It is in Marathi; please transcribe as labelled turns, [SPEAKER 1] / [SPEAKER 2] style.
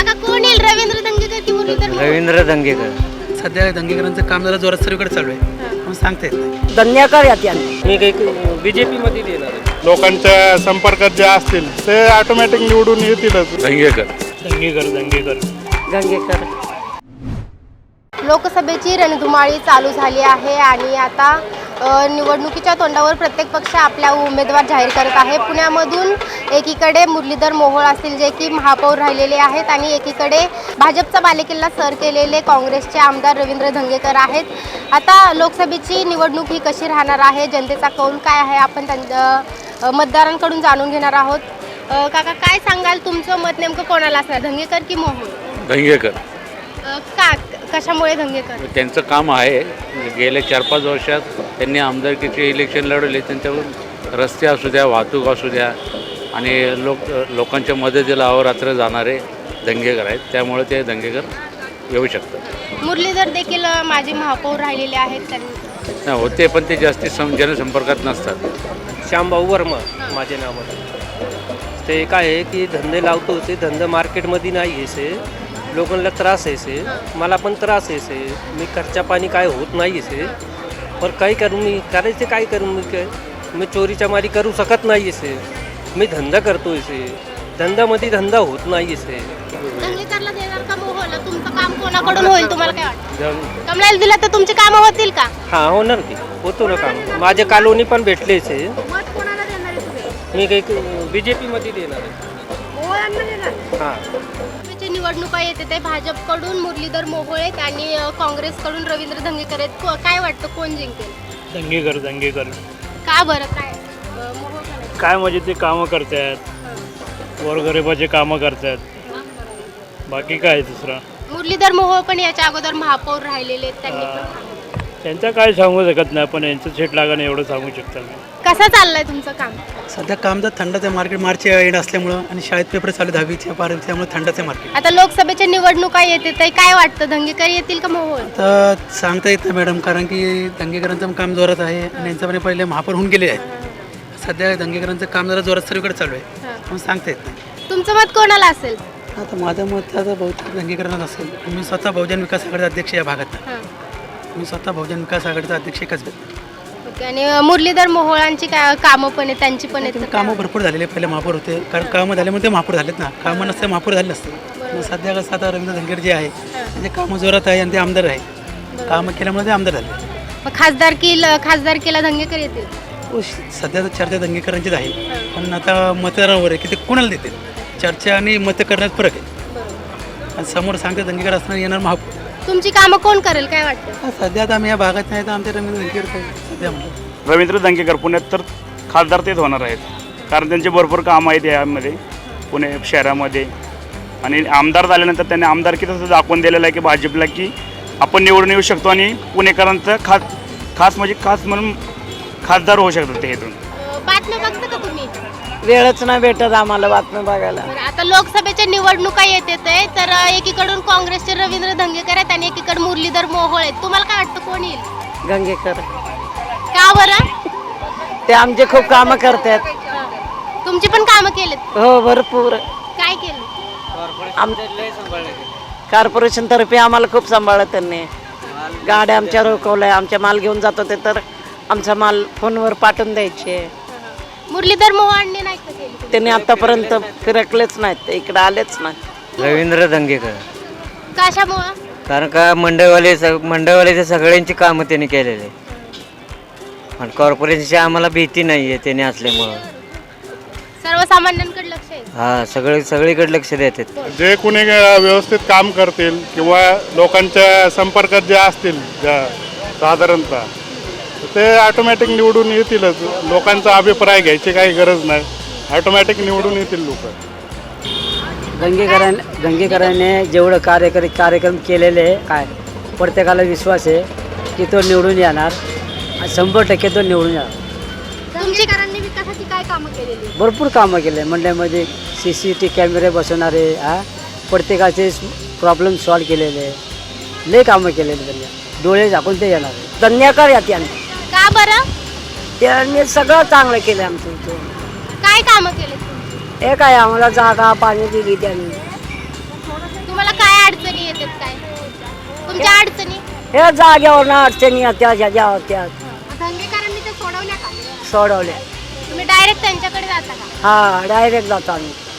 [SPEAKER 1] काका कोण येईल, रवींद्र दंगेकर की मुरलीधर मोहोळ?
[SPEAKER 2] रवींद्र दंगेकर.
[SPEAKER 3] सध्या दंगेकरांचं काम जरा जोरात सर्वीकडे चालू आहे, पण सांगता येत नाही.
[SPEAKER 4] दंगेकर यात
[SPEAKER 5] मी काही बीजेपी मध्ये देणार आहे.
[SPEAKER 6] लोकांच्या संपर्कात जे असतील ते ऑटोमॅटिक निवडून येतीलच.
[SPEAKER 5] दंगेकर
[SPEAKER 4] गंगेकर.
[SPEAKER 1] लोकसभेची रणधुमाळी चालू झाली आहे आणि आता निवडणुकीच्या तोंडावर प्रत्येक पक्ष आपल्या उमेदवार जाहीर करत आहे. पुण्यामधून एकीकडे मुरलीधर मोहोळ असतील जे की महापौर राहिलेले आहेत आणि एकीकडे भाजपचा बालेकिल्ला सर केलेले काँग्रेसचे आमदार रवींद्र दंगेकर आहेत. आता लोकसभेची निवडणूक ही कशी राहणार आहे, जनतेचा कौल काय आहे, आपण त्यांच्या मतदारांकडून जाणून घेणार आहोत. काका काय सांगाल, तुमचं मत नेमकं कोणाला असणार, दंगेकर की मोहोळ?
[SPEAKER 7] दंगेकर.
[SPEAKER 1] का कशामुळे दंगेकर?
[SPEAKER 7] त्यांचं काम आहे, गेल्या 4-5 वर्षात त्यांनी आमदारकीचे इलेक्शन लढवले. त्यांच्यावर रस्ते असू द्या, वाहतूक असू द्या आणि लोकांच्या मदतीला अहोरात्र जाणारे दंगेकर आहेत. त्यामुळे ते दंगेकर येऊ शकतात.
[SPEAKER 1] मुरलीधर देखील माजी महापौर राहिलेले आहेत, त्यांनी
[SPEAKER 7] होते पण ते जास्ती जनसंपर्कात नसतात.
[SPEAKER 5] श्यामभाऊ वर्मा माझे नाव आहे. ते काय आहे की धंदे लावतो, ते धंदा मार्केटमध्ये नाही आहे, लोकांना त्रास आहे, मला पण त्रास आहे, मी खर्चा पाणी काय होत नाही आहे. पण काही करून मी करायचे, काय करून मी चोरीच्या मारी करू शकत नाही आहे. मी धंदा करतो आहे, धंद्यामध्ये धंदा होत नाही आहे.
[SPEAKER 1] दंगेकरला देणार का मोहोळला? तुमचं काम कोणाकडून होईल, तुम्हाला काय वाटतं? कमळाला दिलं तर तुमची कामं होतील का?
[SPEAKER 5] हां, होणार की, होतो ना काम. माझे कॉलोनी पण भेटलेच आहे.
[SPEAKER 1] मत कोणाला देणार आहे तुम्ही?
[SPEAKER 5] मी काही बीजेपी मध्ये देणार आहे.
[SPEAKER 1] मोहोळांना देणार?
[SPEAKER 5] हां.
[SPEAKER 1] निवडणुका येते ते भाजपकडून मुरलीधर मोहोळ आहेत आणि काँग्रेसकडून रवींद्र दंगेकर आहेत. काय वाटतं कोण जिंकेल?
[SPEAKER 5] दंगेकर
[SPEAKER 1] का बरं, काय मोहोळ का नाही?
[SPEAKER 5] काय म्हणजे ते कामं करतात, गोरगरिबाचे कामं करतात, बाकी काय दुसरं.
[SPEAKER 1] मुरलीधर मोहोळ पण याच्या अगोदर महापौर राहिलेले आहेत, त्यांनी पण.
[SPEAKER 5] त्यांचं काय सांगू शकत नाही, पण यांचं सेट लागणं एवढं सांगू शकता मी.
[SPEAKER 1] कसं चाललंय तुमचं काम?
[SPEAKER 3] सध्या काम जर थंडच आहे, मार्केट मार्चच्या एंड असल्यामुळं आणि शाळेत पेपर चालू 10वीच्या 12वीच्या, त्यामुळे थंडच आहे मार्केट.
[SPEAKER 1] आता लोकसभेच्या निवडणुका येते ते काय वाटतं, दंगेकर येतील का मोहोळ?
[SPEAKER 3] तर सांगता येत नाही मॅडम, कारण की दंगेकरांचं काम जोरात आहे आणि यांचं पण पहिले महापौर होऊन गेले आहे. सध्या दंगेकरांचं काम जरा जोरात सर्वीकडे चालू आहे, पण सांगता येत नाही.
[SPEAKER 1] तुमचं मत कोणाला असेल?
[SPEAKER 3] आता माझं मत आता बहुतेक दंगेकरांनाच असेल. मी स्वतः बहुजन विकास आघाडीचा अध्यक्ष या भागात. मी स्वतः बहुजन विकास आघाडीचा अध्यक्ष एकच भेटतो.
[SPEAKER 1] ओके. आणि मुरलीधर मोहोळांची कामं पण आहेत, त्यांची पण आहेत?
[SPEAKER 3] कामं भरपूर झालेले, पहिले महापौर होते, कारण कामं झाल्यामुळे ते महापौर झालेत ना. कामं नसते महापौर झाले नसते. मग सध्या कसं आता रवींद्र दंगेकर जे आहे म्हणजे कामं जोरात आहे आणि ते आमदार आहे. कामं केल्यामुळे ते आमदार झाले.
[SPEAKER 1] मग खासदारकीला दंगेकर येतील?
[SPEAKER 3] सध्या तर चर्चा दंगेकरांचीच आहे, पण आता मतदारावर आहे की ते कोणाला देतील. चर्चा आणि मत करण्यात फरक आहे. आणि समोर सांगते दंगेकर असणार, येणार महापौर.
[SPEAKER 1] तुमची कामं कोण करेल, काय वाटतं?
[SPEAKER 3] सध्या आता आम्ही या भागात नाही, तर आमच्या रवींद्र दंगेकर सध्या म्हणतो.
[SPEAKER 6] रवींद्र दंगेकर पुण्यात तर खासदार तेच होणार आहेत, कारण त्यांचे भरपूर कामं आहेत यामध्ये पुणे शहरामध्ये. आणि आमदार झाल्यानंतर त्यांनी आमदारकी तसं दाखवून दिलेलं आहे की भाजपला की आपण निवडून येऊ शकतो आणि पुणेकरांचं खास म्हणून खासदार होऊ शकतात ते इथून.
[SPEAKER 1] बातम्या बघता का तुम्ही?
[SPEAKER 4] वेळच नाही भेटत आम्हाला बातम्या बघायला.
[SPEAKER 1] बरं, आता लोकसभेच्या निवडणुका येते तर एकीकडून काँग्रेसचे रवींद्र दंगेकर आहेत आणि एकीकडे मुरलीधर मोहोळ आहेत. तुम्हाला काय वाटतं कोण येईल?
[SPEAKER 4] गंगेकर.
[SPEAKER 1] का बरं?
[SPEAKER 4] ते आमचे खूप कामं करतात.
[SPEAKER 1] तुमची पण कामं केलेत?
[SPEAKER 4] हो, भरपूर.
[SPEAKER 1] काय केलं?
[SPEAKER 4] कॉर्पोरेशन तर्फे आम्हाला खूप सांभाळलं त्यांनी. गाड्या आमच्या रोखवल्या, आमच्या माल घेऊन जात होते तर आमचा माल फोनवर पाठवून द्यायचे.
[SPEAKER 1] मुरलीधर मोहोळांनी नाही का केली?
[SPEAKER 4] त्यांनी आतापर्यंत फिरकलेच नाहीत, ते इकडे आलेच नाहीत.
[SPEAKER 2] रवींद्र दंगेकर.
[SPEAKER 1] कशामुळं?
[SPEAKER 2] कारण का मंडळवाल्याच्या सगळ्यांची कामं त्यांनी केलेले आणि कॉर्पोरेशनची आम्हाला भीती नाही आहे त्याने असल्यामुळं.
[SPEAKER 1] सर्वसामान्यांकडे लक्ष आहे.
[SPEAKER 2] हा, सगळीकडे लक्ष देतात.
[SPEAKER 6] जे कुणी व्यवस्थित काम करतील किंवा लोकांच्या संपर्कात जे असतील साधारणतः ते ऑटोमॅटिक निवडून येतीलच. लोकांचा अभिप्राय घ्यायची काही गरज नाही, ऑटोमॅटिक निवडून येतील लोक.
[SPEAKER 4] दंगेकरांनी जेवढं कार्यक्रम केलेले आहे, काय प्रत्येकाला विश्वास आहे की तो निवडून येणार, 100% तो निवडून येणार.
[SPEAKER 1] दंगेकरांनी विकासाची काय कामं केलेली?
[SPEAKER 4] भरपूर कामं केले. मंडळामध्ये CCTV कॅमेरे बसवणारे, प्रत्येकाचे प्रॉब्लेम सॉल्व केलेले, लय कामं केलेले त्यांनी. डोळे झाकून ते येणार. दंगेकर यात यांनी.
[SPEAKER 1] का बरं?
[SPEAKER 4] त्यांनी सगळं चांगलं केलं आमचं इथं.
[SPEAKER 1] काय कामं केले?
[SPEAKER 4] हे काय आम्हाला जागा पाणी दिली त्यांनी.
[SPEAKER 1] तुम्हाला काय अडचणी येतात काय तुमच्या अडचणी
[SPEAKER 4] हे जाग्यावर ना अडचणी त्या ह्याच्यावर त्या
[SPEAKER 1] धंगेकरांनी ते सोडवल्या का
[SPEAKER 4] सोडवल्या.
[SPEAKER 1] तुम्ही डायरेक्ट त्यांच्याकडे जाता का
[SPEAKER 4] हा डायरेक्ट जातो आम्ही.